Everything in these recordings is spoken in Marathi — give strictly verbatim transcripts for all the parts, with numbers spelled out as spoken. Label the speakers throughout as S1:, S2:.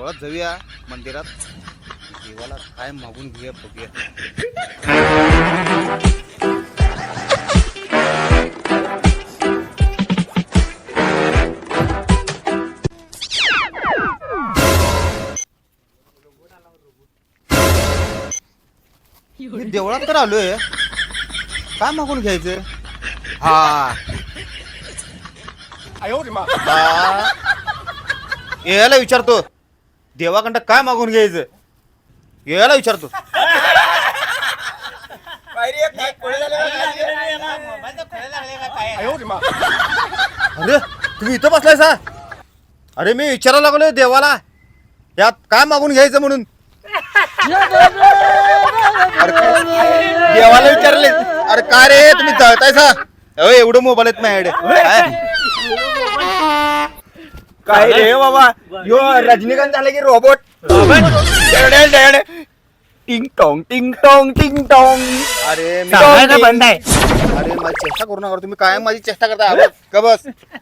S1: देवळात जाऊया मंदिरात देवाला काय मागून घेऊया बघूया. मी देवळात तर आलोय काय मागून घ्यायचं. हा यायला विचारतो देवाकडं काय मागून घ्यायचं यायला विचारतो. अरे तुम्ही इथं बसलाय सा. अरे मी विचारायला लागलोय देवाला यात काय मागून घ्यायचं म्हणून. देवाला विचारले अरे काय रे तुम्ही जळताय सा. एवढं मोबाईल आहेत माझ्याकडे
S2: काय रे बाबा यो रजनीकांत झाले की रोबोट. टिंग टोंग टिंग टोंग टिंग टोंग.
S1: अरे मी
S2: बंद आहे.
S1: अरे माझी चेष्टा करू नका तुम्ही काय माझी चेष्टा करताय. का बस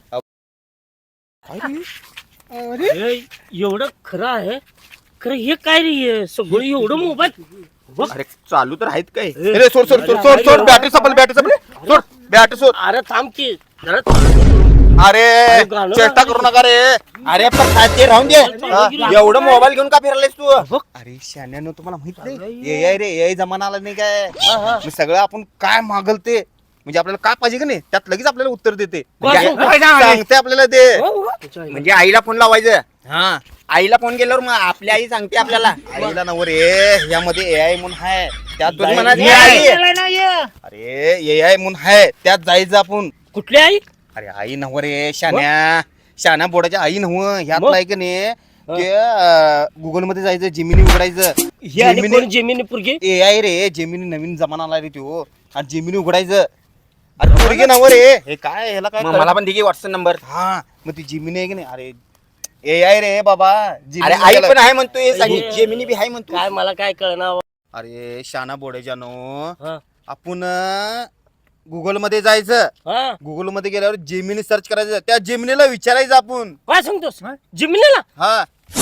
S3: अरे एवढं खरं आहे खरं हे काय रे सगळं एवढं मोबाईल.
S1: अरे चालू तर आहेत काय. अरे सोड सोड सोड सोड सोड बॅटरी संपल बॅटरी संपली सोड बॅटरी सोड.
S3: अरे थांब की जरा
S1: अरे चेष्टा करू नका रे.
S2: अरे पण खाते राहून दे. एवढं मोबाईल घेऊन का फिरलायस तू.
S1: अरे शान्यानो तुम्हाला माहित नाही ए आय रे ए आय जमाना आला नाही काय. मग सगळं आपण काय मागल ते म्हणजे आपल्याला काय पाहिजे का नाही त्यात लगेच आपल्याला उत्तर देते सांगते आपल्याला ते.
S2: म्हणजे आईला फोन लावायचं. हा आईला फोन केल्यावर मग आपली आई सांगते आपल्याला.
S1: आईला नवर रे यामध्ये ए आय म्हणून हाय त्यात
S2: तुम्ही म्हणा
S1: जायचं. अरे ए आय म्हणून हाय त्यात जायचं आपण.
S3: कुठली आई.
S1: अरे आई नव्ह रे शान्या शान्या बोर्डाच्या आई नव्ह ह्यात
S3: मग?
S1: नाही का नाही ते गुगल मध्ये जायचं जेमिनी उघडायचं.
S3: हे आणि कोण जेमिनी पुरगी.
S1: ए आय रे जेमिनी नवीन जमाना आला रे तो आणि जेमिनी उघडायचं. अरे पोरगी नव्ह रे हे काय ह्याला काय
S2: मग मला पण दिली व्हॉट्सअप नंबर.
S1: हा मग ती जेमिनी आहे की नाही. अरे ए आय रे बाबा
S2: अरे
S1: Gemini
S2: आई
S1: त्याला-
S2: पण आहे म्हणतोय जेमिनी बी आहे म्हणतो.
S3: काय मला काय कळणार.
S1: अरे शाना बोर्डाच्या नो
S3: हा
S1: आपण गुगल मध्ये जायचं.
S3: हा
S1: गुगल मध्ये गेल्यावर जेमिनी सर्च करायचं त्या जेमिनीला विचारायचं आपण.
S3: काय सांगतोस जिमिनीला.
S1: हा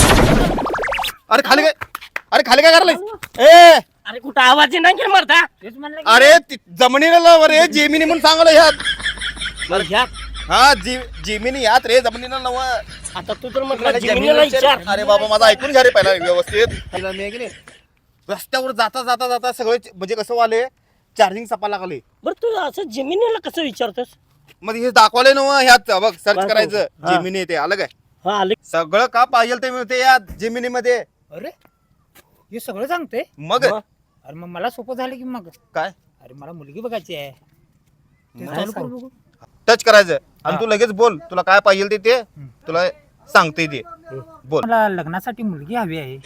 S1: अरे खाली काय अरे खाली काय करायला ए
S3: अरे कुठं आवाज नाही की मारता.
S1: अरे ती जमिनीला लाव रे जेमिनी म्हणून सांगलं ह्यात.
S3: बरं, ह्या.
S1: हा जी जेमिनी यात रे जमिनीला नव.
S3: आता तू तर म्हटलं
S2: मला
S3: जिमिनीला
S2: जमिनीला
S3: विचार.
S1: अरे बाबा माझा ऐकून घ्या रे पहिला व्यवस्थित. पहिला मी आहे की नाही रस्त्यावर जाता जाता जाता सगळे म्हणजे कसं वाले चार्जिंग सपा लागले.
S3: बरं तू असं जिमिनीला कसं विचारतोस.
S1: मग हे दाखवले ना ह्यात बघ सर्च
S3: दाखव.
S1: करायचं
S3: हा.
S1: जेमिनी ते अलग आहे.
S3: हा आले.
S1: सगळं का पाहिजे ते मिळते या जेमिनी मध्ये.
S4: अरे हे सगळं सांगते.
S1: मग
S3: मग?
S4: अरे मग मला सोपं झालं की मग.
S1: काय
S4: अरे मला मुलगी बघायची आहे ते
S3: काय
S4: चालू
S3: सांग?
S4: करू बघू.
S1: टच करायचं आणि तू लगेच बोल तुला काय पाहिजे ते ते तुला सांगते ते बोल.
S4: मला लग्नासाठी मुलगी हवी आहे.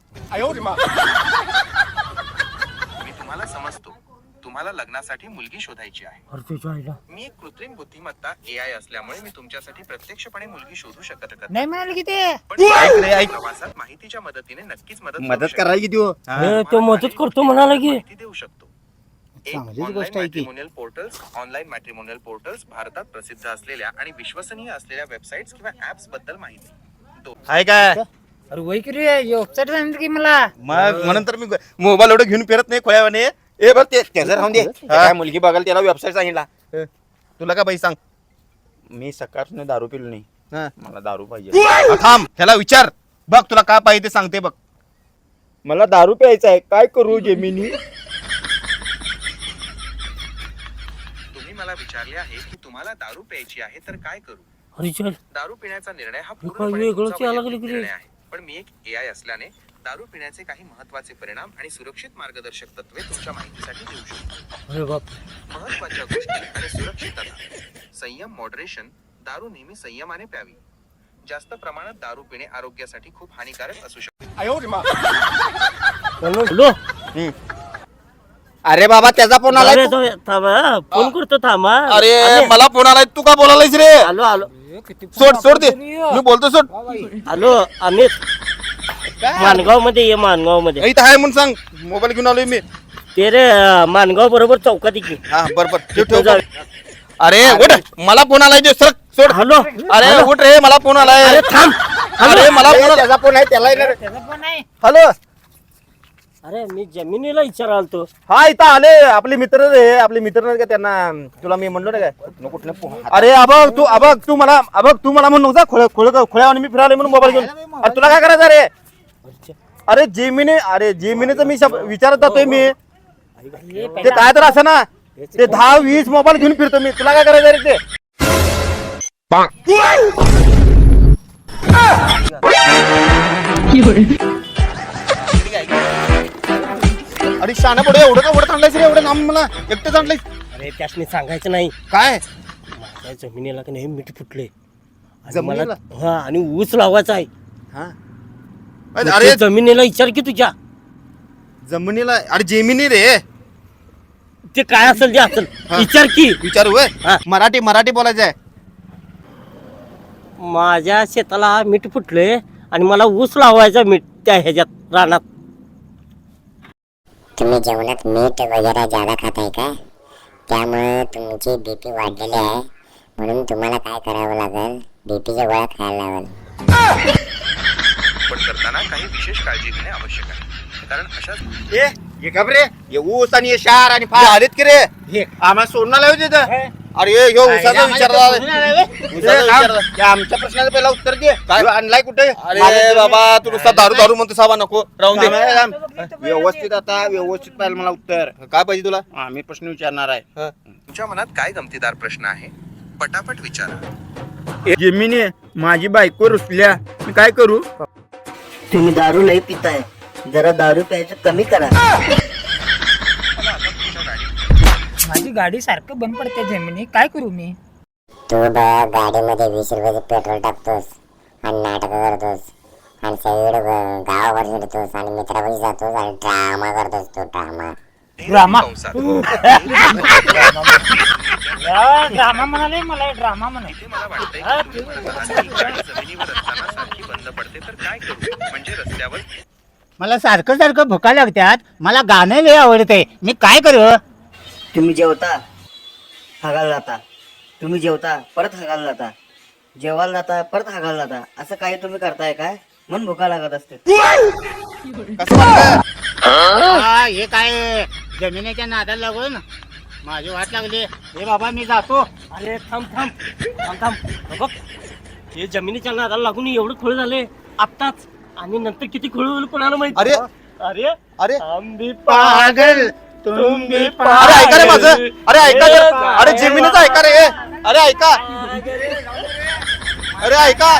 S5: मी तुम्हाला समजतो तुम्हाला लग्नासाठी मुलगी शोधायची आहे.
S3: अरे तुझ्या आईला.
S5: मी एक कृत्रिम बुद्धिमत्ता ए आय असल्यामुळे मी तुमच्यासाठी प्रत्यक्षपणे मुलगी शोधू शकत नाही.
S4: नाही म्हणाले की ते.
S5: पण
S1: ऐक रे, ऐक.
S5: प्रवासात माहितीच्या मदतीने नक्कीच मदत करू
S2: मदत
S5: शकतो.
S2: करायला किती हो.
S3: हे तो मदत करतो म्हणाला की.
S5: माहिती देऊ शकतो.
S2: चांगलीच गोष्ट आहे की.
S5: Matrimonial portals online matrimonial portals भारतात प्रसिद्ध असलेल्या आणि विश्वसनीय असलेल्या वेबसाईट्स किंवा ऍप्स बद्दल माहिती. दो-
S1: आहे काय
S4: अरे वय की रे वेबसाईट सांगितलं की मला.
S1: मग म्हणून तर मी मोबाईल एवढं घेऊन फिरत नाही खोळ्यावाने.
S2: ए बघ ते त्याचं राहून दे. ते काय मुलगी बघाल त्याला वेबसाईट सांगितला.
S1: तुला का बाई सांग.
S2: मी सकाळपासून दारू पिलो नाही.
S1: हा.
S2: मला दारू पाहिजे.
S1: हा, थांब ह्याला विचार बघ तुला काय पाहिजे ते सांगते बघ.
S2: मला दारू प्यायचा आहे काय करू जेमिनी.
S5: तुम्ही मला विचारले आहे की तुम्हाला दारू प्यायची आहे तर काय करू.
S3: अरे चल.
S5: दारू पिण्याचा निर्णय हा
S3: काय
S5: पूर्णपणे
S3: वेगळंच
S5: तुमचा
S3: यायला
S5: वैयक्तिक
S3: लागलं की रे.
S5: निर्णय आहे. पण मी एक ए आय असल्याने दारू पिण्याचे काही महत्त्वाचे परिणाम आणि सुरक्षित मार्गदर्शक तत्वे तुमच्या माहितीसाठी देऊ शकतो.
S3: अरे बाप.
S5: महत्त्वाच्या गोष्टी आणि सुरक्षितता. संयम मॉडरेशन. दारू नेहमी संयमाने प्यावी. जास्त प्रमाणात दारू पिणे आरोग्यासाठी खूप हानिकारक असू शकते.
S3: हॅलो.
S2: अरे बाबा त्याचा फोन आला.
S3: अरे तो- थांबा फोन करतो थांबा.
S1: अरे मला फोन आलाय तू का बोलायलायस रे.
S3: आलो आलो.
S1: सोड सोड दे मी बोलतो सोड.
S3: आलो अमित मानगाव मध्ये ये मानगाव मध्ये.
S1: इथं आहे म्हणून सांग मोबाईल घेऊन आलोय मी.
S3: ते रे मानगाव बरोबर चौकात की.
S1: हा बर बर ठेव
S3: तिथं
S1: ठेव.
S3: जा.
S1: अरे उठ मला फोन आलाय जे सर सोड.
S3: हॅलो.
S1: अरे उठ रे मला फोन आलाय.
S3: अरे थांब
S1: अरे मला
S2: ए,
S1: फोन-
S2: त्याचा फोन आहे त्याला येणार.
S4: त्याचा पण नाही.
S1: हॅलो
S3: अरे मी जमिनीला विचारालतो.
S1: हा इथं आले आपले मित्र रे आपले मित्र नाही का त्यांना तुला मी म्हणलो ना काय
S2: कुठनं कुठनं फोन-
S1: अरे अबघ तू अबघ तू मला अबघ तू मला म्हणू नका खोळ खोळ खोळ्यावर मी फिरायला म्हणून मोबाईल घेऊन अरे तुला काय करायचं रे अरे जेमिनी अरे जेमिनीचं मी शब- विचारत जातोय मी ते काय तर असं ना ते दहा वीस मोबाईल घेऊन फिरतो मी तुला काय करायचं रे ते अरे शाना पुढे एवढं का एवढं आणलायस रे एवढं नाम मला एकटंच आणलायस
S3: अरे त्यासनी सांगायचं नाही.
S1: काय
S3: माझ्या जमिनीला का नाही मीठ फुटले आणि
S1: जमिनीला?
S3: मला हा आणि ऊस लावायचा आहे.
S1: हा
S3: मग
S1: अरे
S3: ते जमिनीला विचार की तुझ्या
S1: जमिनीला अरे जेमिनी रे
S3: ते काय असेल ते असेल
S1: हा.
S3: विचार की.
S1: विचारू होय?
S3: हा.
S1: मराठी मराठी बोलायचं आहे
S3: माझ्या शेताला मीठ फुटले आणि मला ऊस लावायचा मीठ त्या ह्याच्यात रानात.
S6: तुम्ही जेवणात मीठ वगैरे जादा खाताय का त्यामुळे तुमची बीपी वाढलेली आहे म्हणून तुम्हाला काय करावं लागेल बीपीच्या गोळ्या खायला लागेल.
S5: पण करताना काही विशेष काळजी घेणे आवश्यक आहे कारण अशा
S2: ए हे घाबरे हे ऊस आणि हे शार आणि फार
S1: आलेत की रे
S2: हे आम्हाला सोडून आलं होते तिथं.
S1: अरे ह्यो उसाचा विचारला
S2: ए, थांब. या आमच्या प्रश्नाचं पहिला उत्तर दे
S1: काय?
S2: ह्यो आणलाय कुठे
S1: अरे बाबा तू नुसता दारू दारू म्हणतो साबा नको राहून दे
S2: थांब, थांब. व्यवस्थित आता व्यवस्थित पाहिजे मला उत्तर
S1: काय पाहिजे तुला
S2: आम्ही प्रश्न विचारणार आहे
S5: तुमच्या मनात काय गमतीदार प्रश्न आहे पटापट विचारा.
S2: जमिनी माझी बायको रुसल्या मी काय करू
S7: तुम्ही दारू लई पिताय जरा दारू प्यायचं कमी करा.
S4: माझी गाडी सारखं बंद पडते जमिनी काय करू मी.
S6: तू बघ गाडीमध्ये वीस रुपयाचं पेट्रोल टाकतोस आणि नाटक करतोस आणि सगळीकडे ग- गावावर फिरतोस आणि मित्रापाशी जातोस आणि ड्रामा करतोस तो ड्रामा.
S4: ड्रामा
S5: कंसात.
S4: ड्रामा म्हणाले मला ड्रामा म्हणाले.
S5: इथे मला वाटतंय की तुम्ही म्हणत असाल की गाडी जमिनीवर असताना सारखी बंद पडते तर काय करू म्हणजे रस्त्यावर
S4: मला सारखं सारखं भुका लागतात मला गाणं लय आवडते मी काय करू.
S7: तुम्ही जेवता हागायला जाता तुम्ही जेवता परत हागायला जाता जेवायला जाता परत हागायला जाता असं काही तुम्ही करताय काय म्हणून भुका लागत असते.
S1: कसं वाटलं
S4: हे काय जमिनीच्या नादाला लागून माझी वाट लागली. हे बाबा मी जातो.
S3: अरे थांब थांब थांब थांब हे बघ हे जमिनीच्या नादाला लागून एवढं खोळ झाले आत्ताच आणि नंतर किती खोळ होईल कोणाला माहिती.
S1: अरे
S3: अरे
S1: अरे
S3: आम्ही
S4: पागल तुम्ही
S1: अरे ऐका रे माझं अरे ऐका रे अरे जेमिनीचं ऐका रे अरे ऐका अरे ऐका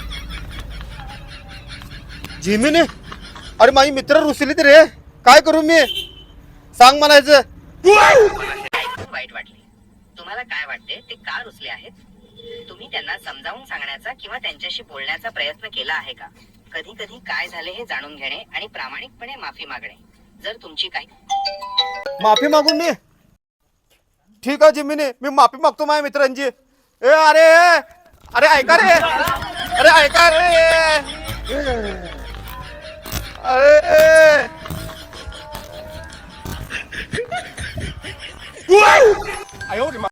S1: जेमिनी अरे माझी मित्र रुसलीत रे काय करू मी सांग म्हणायचं
S8: ऐकून वाईट वाटले. तुम्हाला काय वाटते ते का रुसले आहेत? तुम्ही त्यांना समजावून सांगण्याचा किंवा त्यांच्याशी बोलण्याचा प्रयत्न केला आहे का? कधी कधी काय झाले हे जाणून घेणे आणि प्रामाणिकपणे माफी मागणे. जर तुमची काही
S1: माफी मागून मी ठीक आहे जिम्मीने मी माफी मागतो माझ्या मित्रांची. ए अरे अरे ऐका रे अरे ऐका रे अरे